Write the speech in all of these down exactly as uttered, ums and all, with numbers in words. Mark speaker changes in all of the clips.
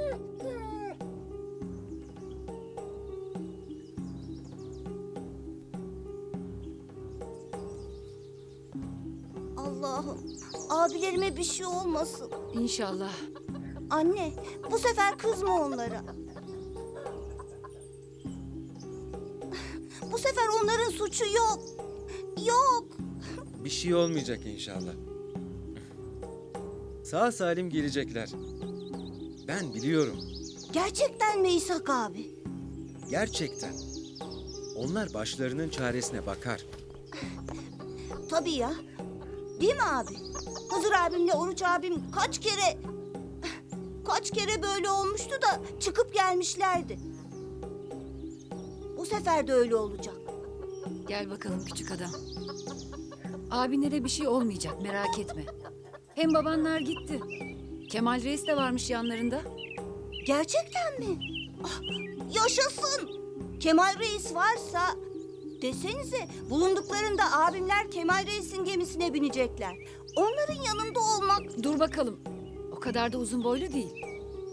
Speaker 1: Allah'ım, abilerime bir şey olmasın.
Speaker 2: İnşallah.
Speaker 1: Anne, bu sefer kızma onlara. Bu sefer onların suçu yok. Yok.
Speaker 3: Bir şey olmayacak inşallah. Sağ salim gelecekler. Ben biliyorum.
Speaker 1: Gerçekten mi İshak abi?
Speaker 3: Gerçekten. Onlar başlarının çaresine bakar.
Speaker 1: Tabii ya. Değil mi abi? Hızır abimle Oruç abim kaç kere... Kaç kere böyle olmuştu da çıkıp gelmişlerdi. Bu sefer de öyle olacak.
Speaker 2: Gel bakalım küçük adam. Abinlere bir şey olmayacak, merak etme. Hem babanlar gitti. Kemal Reis de varmış yanlarında.
Speaker 1: Gerçekten mi? Ah, yaşasın! Kemal Reis varsa... Desenize, bulunduklarında abimler Kemal Reis'in gemisine binecekler. Onların yanında olmak...
Speaker 2: Dur bakalım. O kadar da uzun boylu değil.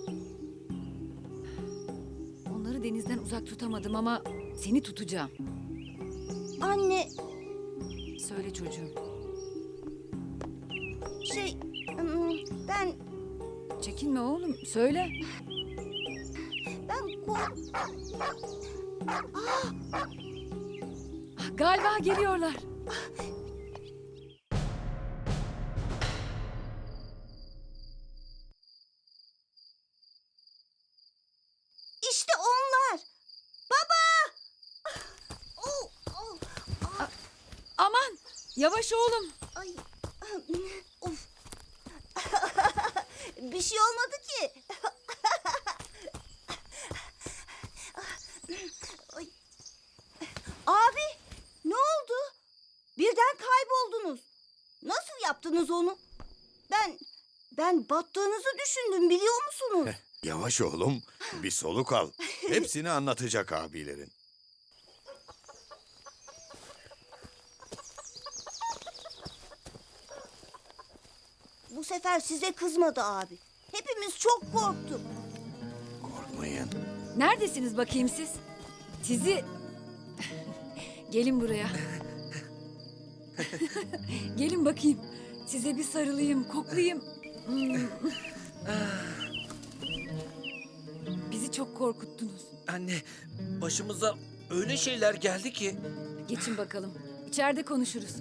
Speaker 2: Onları denizden uzak tutamadım ama seni tutacağım.
Speaker 1: Anne,
Speaker 2: Söyle çocuğum.
Speaker 1: şey... ım, Ben...
Speaker 2: Çekinme oğlum, söyle.
Speaker 1: Ben kork...
Speaker 2: Ah, galiba geliyorlar.
Speaker 1: İşte onlar! Baba! Oh, oh, ah,
Speaker 2: Aman, yavaş oğlum.
Speaker 1: ay, of. Bir şey olmadı ki. Ay. Abi, ne oldu? Birden kayboldunuz. Nasıl yaptınız onu? Ben, ben battığınızı düşündüm, biliyor musunuz?
Speaker 4: Yavaş oğlum, bir soluk al. Hepsini anlatacak abilerin.
Speaker 1: Bu sefer size kızmadı abi. Hepimiz çok korktuk.
Speaker 4: Korkmayın.
Speaker 2: Neredesiniz bakayım siz? Sizi... Gelin buraya. Gelin bakayım. Size bir sarılayım, koklayayım. Hmm. Bizi çok korkuttunuz.
Speaker 5: Anne, başımıza öyle şeyler geldi ki.
Speaker 2: Geçin bakalım. İçeride konuşuruz.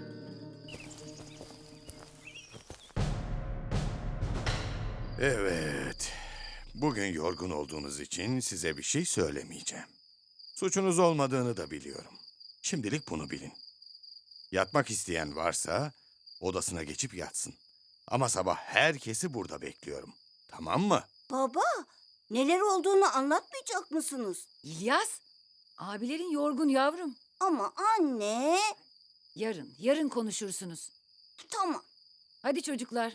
Speaker 4: Evet. Bugün yorgun olduğunuz için size bir şey söylemeyeceğim. Suçunuz olmadığını da biliyorum. Şimdilik bunu bilin. Yatmak isteyen varsa odasına geçip yatsın. Ama sabah herkesi burada bekliyorum. Tamam mı?
Speaker 1: Baba, neler olduğunu anlatmayacak mısınız?
Speaker 2: İlyas, abilerin yorgun yavrum.
Speaker 1: Ama anne...
Speaker 2: Yarın, yarın konuşursunuz.
Speaker 1: Tamam.
Speaker 2: Hadi çocuklar.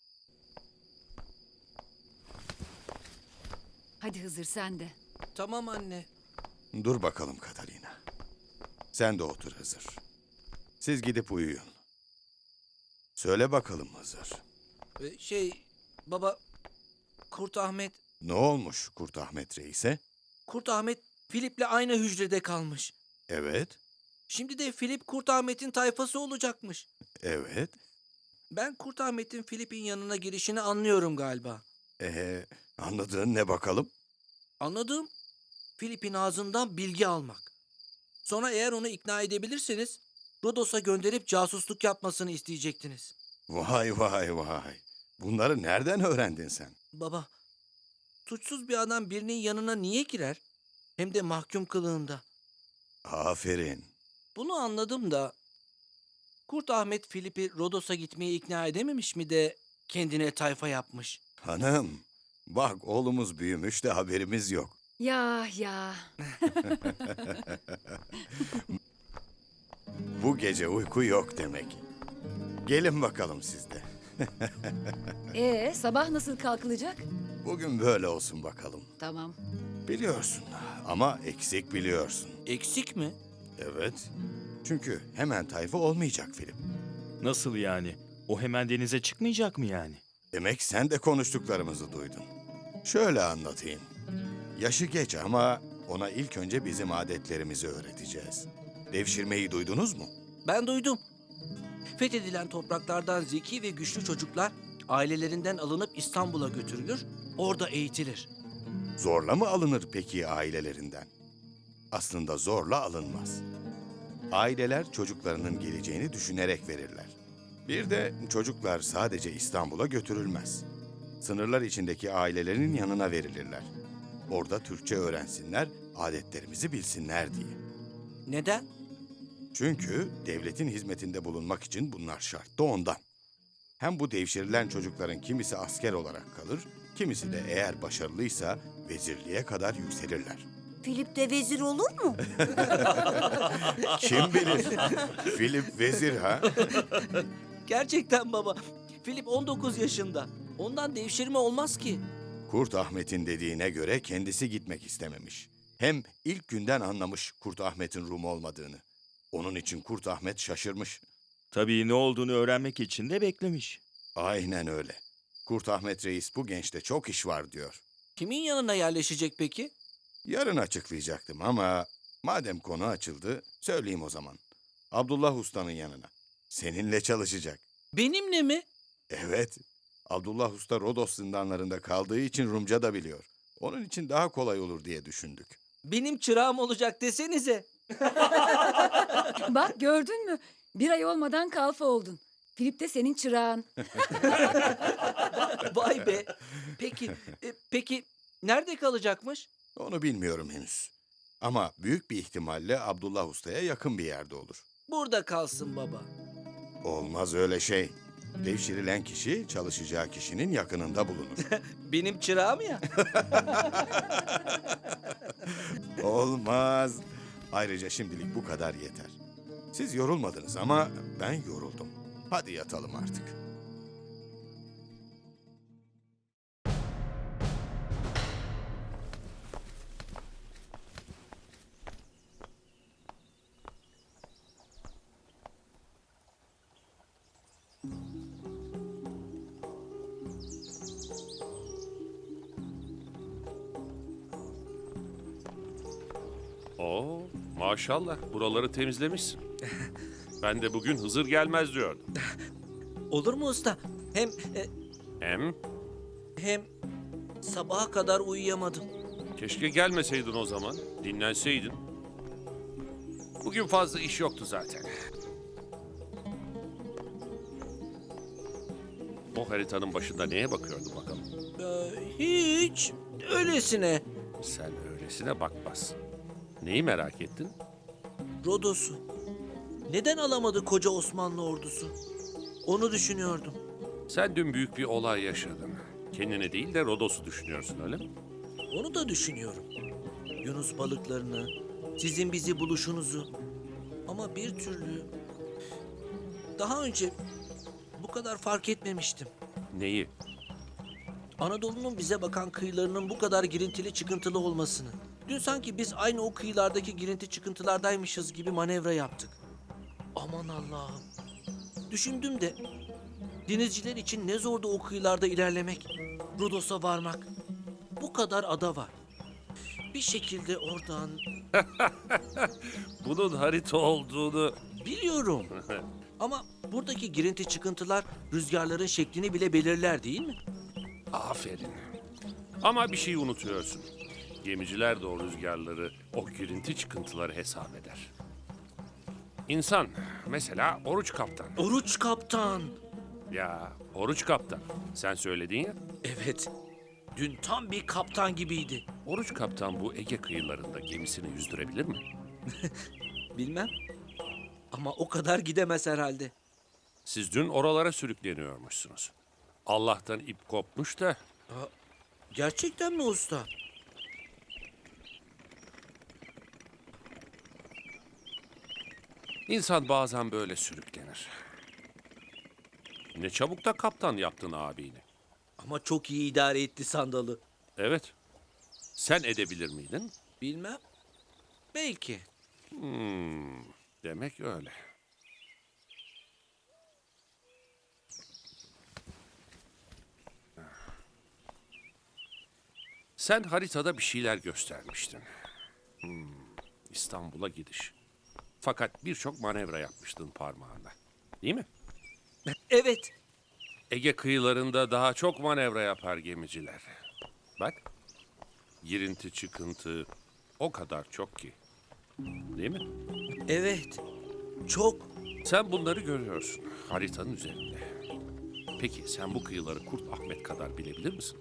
Speaker 2: Hadi Hızır sen de.
Speaker 5: Tamam anne.
Speaker 4: Dur bakalım Katalina. Sen de otur Hızır. Siz gidip uyuyun. Söyle bakalım Hızır.
Speaker 5: Ee, Şey, baba, Kurt Ahmet,
Speaker 4: Ne olmuş Kurt Ahmet Reis'e?
Speaker 5: Kurt Ahmet Filip'le aynı hücrede kalmış.
Speaker 4: Evet,
Speaker 5: Şimdi de Filip Kurt Ahmet'in tayfası olacakmış.
Speaker 4: evet.
Speaker 5: Ben Kurt Ahmet'in Filip'in yanına girişini anlıyorum galiba.
Speaker 4: Ee, anladığın ne bakalım?
Speaker 5: Anladığım, Filip'in ağzından bilgi almak. Sonra eğer onu ikna edebilirseniz Rodos'a gönderip casusluk yapmasını isteyecektiniz.
Speaker 4: Vay vay vay. Bunları nereden öğrendin sen?
Speaker 5: Baba, suçsuz bir adam birinin yanına niye girer? Hem de mahkum kılığında.
Speaker 4: Aferin.
Speaker 5: Bunu anladım da Kurt Ahmet Filip'i Rodos'a gitmeye ikna edememiş mi de kendine tayfa yapmış.
Speaker 4: Hanım, bak oğlumuz büyümüş de haberimiz yok.
Speaker 2: Ya ya.
Speaker 4: Bu gece uyku yok demek. Gelin bakalım siz de.
Speaker 2: Ee, sabah nasıl kalkılacak?
Speaker 4: Bugün böyle olsun bakalım.
Speaker 2: Tamam.
Speaker 4: Biliyorsun ama eksik biliyorsun.
Speaker 5: Eksik mi?
Speaker 4: Evet. Çünkü hemen tayfa olmayacak film.
Speaker 6: Nasıl yani? O hemen denize çıkmayacak mı yani?
Speaker 4: Demek sen de konuştuklarımızı duydun. Şöyle anlatayım. Yaşı geç ama ona ilk önce bizim adetlerimizi öğreteceğiz. Devşirmeyi duydunuz mu?
Speaker 5: Ben duydum. Fethedilen topraklardan zeki ve güçlü çocuklar ailelerinden alınıp İstanbul'a götürülür, orada eğitilir.
Speaker 4: Zorla mı alınır peki ailelerinden? Aslında zorla alınmaz. Aileler çocuklarının geleceğini düşünerek verirler. Bir de çocuklar sadece İstanbul'a götürülmez. Sınırlar içindeki ailelerin yanına verilirler. Orada Türkçe öğrensinler, adetlerimizi bilsinler diye.
Speaker 5: Neden?
Speaker 4: Çünkü devletin hizmetinde bulunmak için bunlar şart da ondan. Hem bu devşirilen çocukların kimisi asker olarak kalır, kimisi de eğer başarılıysa vezirliğe kadar yükselirler.
Speaker 1: Filip de vezir olur mu?
Speaker 4: Kim bilir? Filip vezir ha?
Speaker 5: Gerçekten baba. Filip on dokuz yaşında. Ondan devşirme olmaz ki.
Speaker 4: Kurt Ahmet'in dediğine göre kendisi gitmek istememiş. Hem ilk günden anlamış Kurt Ahmet'in Rum olmadığını. Onun için Kurt Ahmet şaşırmış.
Speaker 6: Tabii ne olduğunu öğrenmek için de beklemiş.
Speaker 4: Aynen öyle. Kurt Ahmet Reis bu gençte çok iş var diyor.
Speaker 5: Kimin yanına yerleşecek peki?
Speaker 4: Yarın açıklayacaktım ama madem konu açıldı söyleyeyim o zaman. Abdullah Usta'nın yanına. Seninle çalışacak.
Speaker 5: Benimle mi?
Speaker 4: Evet. Abdullah Usta Rodos zindanlarında kaldığı için Rumca da biliyor. Onun için daha kolay olur diye düşündük.
Speaker 5: Benim çırağım olacak desenize.
Speaker 2: Bak gördün mü? Bir ay olmadan kalfa oldun. Filip de senin çırağın.
Speaker 5: Vay be. Peki, e, peki nerede kalacakmış?
Speaker 4: Onu bilmiyorum henüz. Ama büyük bir ihtimalle Abdullah Usta'ya yakın bir yerde olur.
Speaker 5: Burada kalsın baba.
Speaker 4: Olmaz öyle şey. Devşirilen kişi çalışacağı kişinin yakınında bulunur.
Speaker 5: Benim çırağım ya.
Speaker 4: Olmaz. Ayrıca şimdilik bu kadar yeter. Siz yorulmadınız ama ben yoruldum. Hadi yatalım artık.
Speaker 7: Oo, maşallah buraları temizlemişsin. Ben de bugün Hızır gelmez diyordum.
Speaker 5: Olur mu usta? Hem e,
Speaker 7: Hem
Speaker 5: hem sabaha kadar uyuyamadım.
Speaker 7: keşke gelmeseydin o zaman, dinlenseydin. Bugün fazla iş yoktu zaten. O haritanın başında neye bakıyordun bakalım?
Speaker 5: Ee, hiç öylesine.
Speaker 7: Sen öylesine bakmazsın. Neyi merak ettin?
Speaker 5: Rodos'u. Neden alamadı koca Osmanlı ordusu? Onu düşünüyordum.
Speaker 7: Sen dün büyük bir olay yaşadın. Kendini değil de Rodos'u düşünüyorsun öyle mi?
Speaker 5: Onu da düşünüyorum. Yunus balıklarını, sizin bizi buluşunuzu. Ama bir türlü daha önce bu kadar fark etmemiştim.
Speaker 7: Neyi?
Speaker 5: Anadolu'nun bize bakan kıyılarının bu kadar girintili çıkıntılı olmasını. Dün sanki biz aynı o kıyılardaki girinti çıkıntılardaymışız gibi manevra yaptık. Aman Allah'ım. Düşündüm de denizciler için ne zordu o kıyılarda ilerlemek, Rodos'a varmak. Bu kadar ada var. Bir şekilde oradan
Speaker 7: Bunun harita olduğunu...
Speaker 5: biliyorum. Ama buradaki girinti çıkıntılar rüzgarların şeklini bile belirler değil mi?
Speaker 7: Aferin. Ama bir şeyi unutuyorsun. Gemiciler de o rüzgarları, o girinti çıkıntıları hesap eder. İnsan, mesela Oruç Kaptan.
Speaker 5: Oruç kaptan.
Speaker 7: Ya, Oruç Kaptan. Sen söyledin ya.
Speaker 5: Evet. Dün tam bir kaptan gibiydi.
Speaker 7: Oruç Kaptan bu Ege kıyılarında gemisini yüzdürebilir mi?
Speaker 5: Bilmem. Ama o kadar gidemez herhalde.
Speaker 7: Siz dün oralara sürükleniyormuşsunuz. Allah'tan ip kopmuş da
Speaker 5: Gerçekten mi usta?
Speaker 7: insan bazen böyle sürüklenir. Ne çabuk da kaptan yaptın abini.
Speaker 5: Ama çok iyi idare etti sandalı.
Speaker 7: Evet. Sen edebilir miydin?
Speaker 5: Bilmem. Belki.
Speaker 7: Hmm, demek öyle. Sen haritada bir şeyler göstermiştin. Hmm, İstanbul'a gidiş. Fakat birçok manevra yapmıştın parmağında. Değil mi?
Speaker 5: Evet.
Speaker 7: Ege kıyılarında daha çok manevra yapar gemiciler. Bak, girinti çıkıntı o kadar çok ki. Değil mi?
Speaker 5: Evet. Çok.
Speaker 7: Sen bunları görüyorsun haritanın üzerinde. Peki sen bu kıyıları Kurt Ahmet kadar bilebilir misin?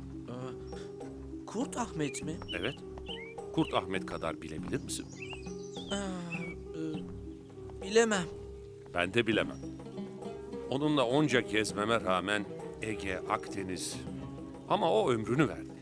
Speaker 5: Kurt Ahmet mi?
Speaker 7: Evet. Kurt Ahmet kadar bilebilir misin?
Speaker 5: Bilemem.
Speaker 7: Ben de bilemem. Onunla onca gezmeme rağmen Ege, Akdeniz. Ama o ömrünü verdi.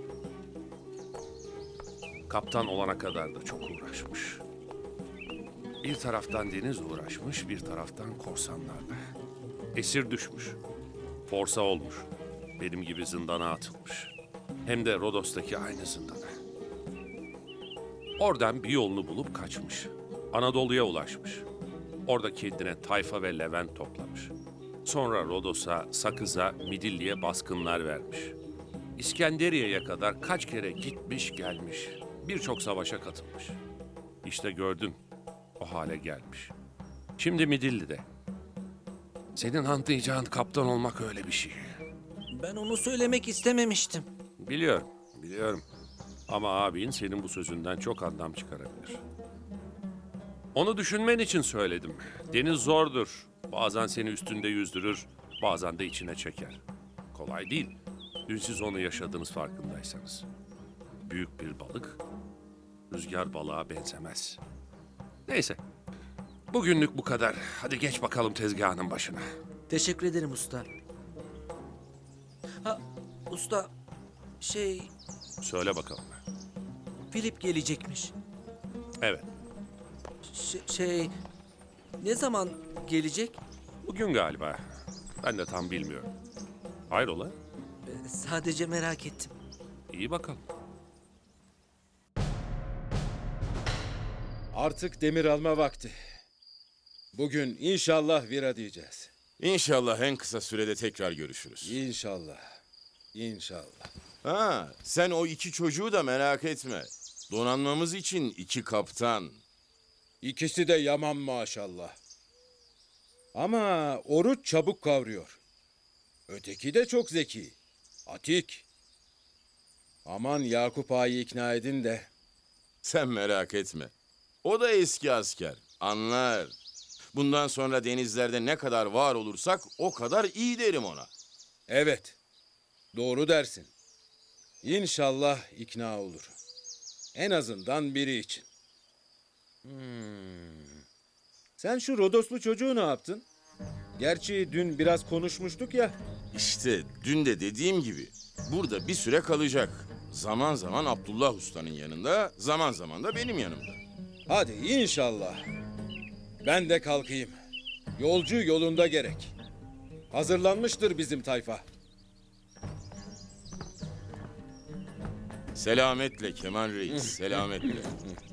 Speaker 7: Kaptan olana kadar da çok uğraşmış. Bir taraftan deniz uğraşmış, bir taraftan korsanlarla. Esir düşmüş. Forsa olmuş. Benim gibi zindana atılmış. Hem de Rodos'taki aynı zindana. Oradan bir yolunu bulup kaçmış. Anadolu'ya ulaşmış. Orada kendine tayfa ve levent toplamış. Sonra Rodos'a, Sakız'a, Midilli'ye baskınlar vermiş. İskenderiye'ye kadar kaç kere gitmiş gelmiş. Birçok savaşa katılmış. İşte gördün, o hale gelmiş. Şimdi Midilli'de. Senin anlayacağın kaptan olmak öyle bir şey.
Speaker 5: Ben onu söylemek istememiştim.
Speaker 7: Biliyorum, biliyorum. Ama abin senin bu sözünden çok anlam çıkarabilir. Onu düşünmen için söyledim. Deniz zordur. Bazen seni üstünde yüzdürür, bazen de içine çeker. Kolay değil. Dün siz onu yaşadınız farkındaysanız. Büyük bir balık, rüzgar balığa benzemez. Neyse, bugünlük bu kadar. Hadi geç bakalım tezgahının başına.
Speaker 5: Teşekkür ederim usta. Ha, usta, şey,
Speaker 7: Söyle bakalım.
Speaker 5: Filip gelecekmiş.
Speaker 7: Evet,
Speaker 5: Ş- şey, ne zaman gelecek?
Speaker 7: bugün galiba. Ben de tam bilmiyorum. Hayrola?
Speaker 5: Ee, Sadece merak ettim.
Speaker 7: İyi bakalım.
Speaker 8: Artık demir alma vakti. Bugün inşallah vira diyeceğiz.
Speaker 9: İnşallah en kısa sürede tekrar görüşürüz.
Speaker 8: İnşallah. İnşallah.
Speaker 9: Ha, sen o iki çocuğu da merak etme. Donanmamız için iki kaptan.
Speaker 8: İkisi de yaman maşallah. Ama Oruç çabuk kavruyor. Öteki de çok zeki. Atik. Aman Yakup Ağa'yı ikna edin de.
Speaker 9: Sen merak etme. O da eski asker. Anlar. Bundan sonra denizlerde ne kadar var olursak o kadar iyi derim ona.
Speaker 8: Evet. Doğru dersin. İnşallah ikna olur. En azından biri için. Hmm. Sen şu Rodoslu çocuğu ne yaptın? Gerçi dün biraz konuşmuştuk ya.
Speaker 9: İşte dün de dediğim gibi burada bir süre kalacak. Zaman zaman Abdullah Usta'nın yanında, zaman zaman da benim yanımda.
Speaker 8: Hadi inşallah. Ben de kalkayım. Yolcu yolunda gerek. Hazırlanmıştır bizim tayfa.
Speaker 9: Selametle Kemal Reis, selametle.